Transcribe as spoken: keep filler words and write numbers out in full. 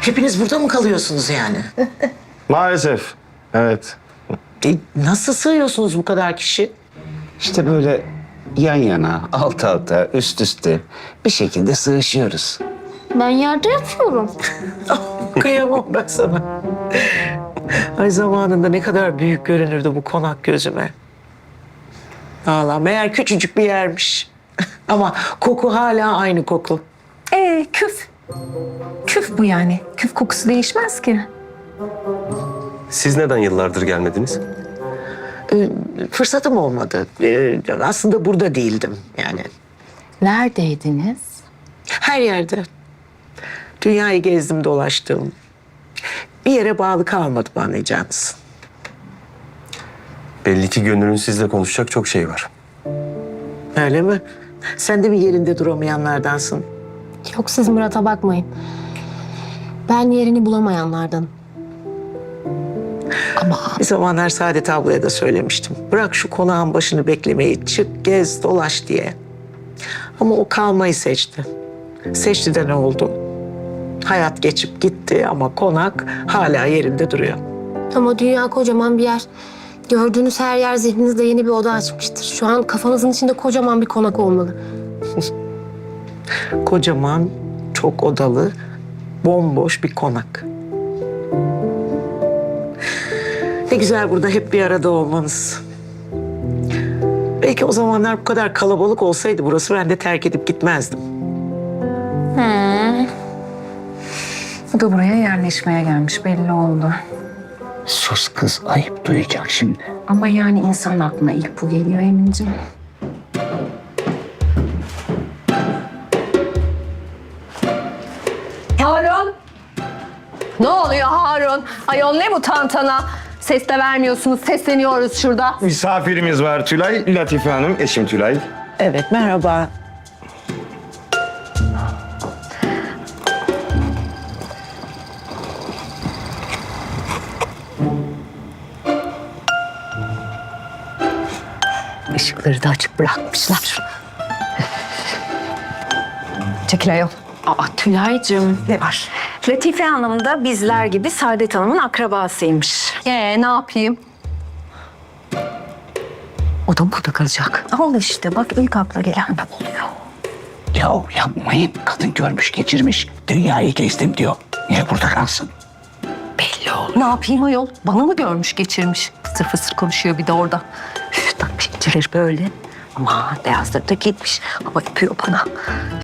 Hepiniz burada mı kalıyorsunuz yani? Maalesef. Evet. E, nasıl sığıyorsunuz bu kadar kişi? İşte böyle yan yana, alt alta, üst üste bir şekilde sığışıyoruz. Ben yerde yatıyorum. Kıyamam ben sana. Ay zamanında ne kadar büyük görünürdü bu konak gözüme. Vallahi meğer küçücük bir yermiş. Ama koku hala aynı koku. Ee, küf. Küf bu yani. Küf kokusu değişmez ki. Siz neden yıllardır gelmediniz? Ee, fırsatım olmadı. Ee, aslında burada değildim yani. Neredeydiniz? Her yerde. Dünyayı gezdim dolaştım. Bir yere bağlı kalmadım anlayacağınız. Belli ki Gönül'ün sizle konuşacak çok şey var. Öyle mi? Sen de mi yerinde duramayanlardansın? Yok siz Murat'a bakmayın. Ben yerini bulamayanlardan. Ama bir zamanlar Saadet ablaya da söylemiştim. Bırak şu konağın başını beklemeyi, çık gez dolaş diye. Ama o kalmayı seçti. Seçti de ne oldu? Hayat geçip gitti ama konak hala yerinde duruyor. Ama dünya kocaman bir yer. Gördüğünüz her yer zihninizde yeni bir oda açmıştır. Şu an kafanızın içinde kocaman bir konak olmalı. Kocaman, çok odalı, bomboş bir konak. Ne güzel burada hep bir arada olmanız. Belki o zamanlar bu kadar kalabalık olsaydı burası ben de terk edip gitmezdim. He. Bu da buraya yerleşmeye gelmiş belli oldu. Sus kız, ayıp duyacak şimdi. Ama yani insan aklına ilk bu geliyor Emin'ciğim. Harun! Ne oluyor Harun? Ayol ne bu tantana? Ses de vermiyorsunuz, sesleniyoruz şurada. Misafirimiz var Tülay. Latife Hanım, eşim Tülay. Evet, merhaba. Işıkları da açık bırakmışlar. Çekil ayol. Aa Tülay'cığım. Ne var? Latife Hanım da bizler gibi Saadet Hanım'ın akrabasıymış. Ee, ne yapayım? O da burada kalacak. Al işte bak ilk akla gelen de oluyor. Ya yapmayın, kadın görmüş geçirmiş. Dünyayı gezdim diyor. Niye burada kalsın? Belli olur. Ne yapayım ayol? Bana mı görmüş geçirmiş? Fısır fısır konuşuyor bir de orada. Üf, takmış geçirir böyle. Ama beyazları da gitmiş. Ama öpüyor bana.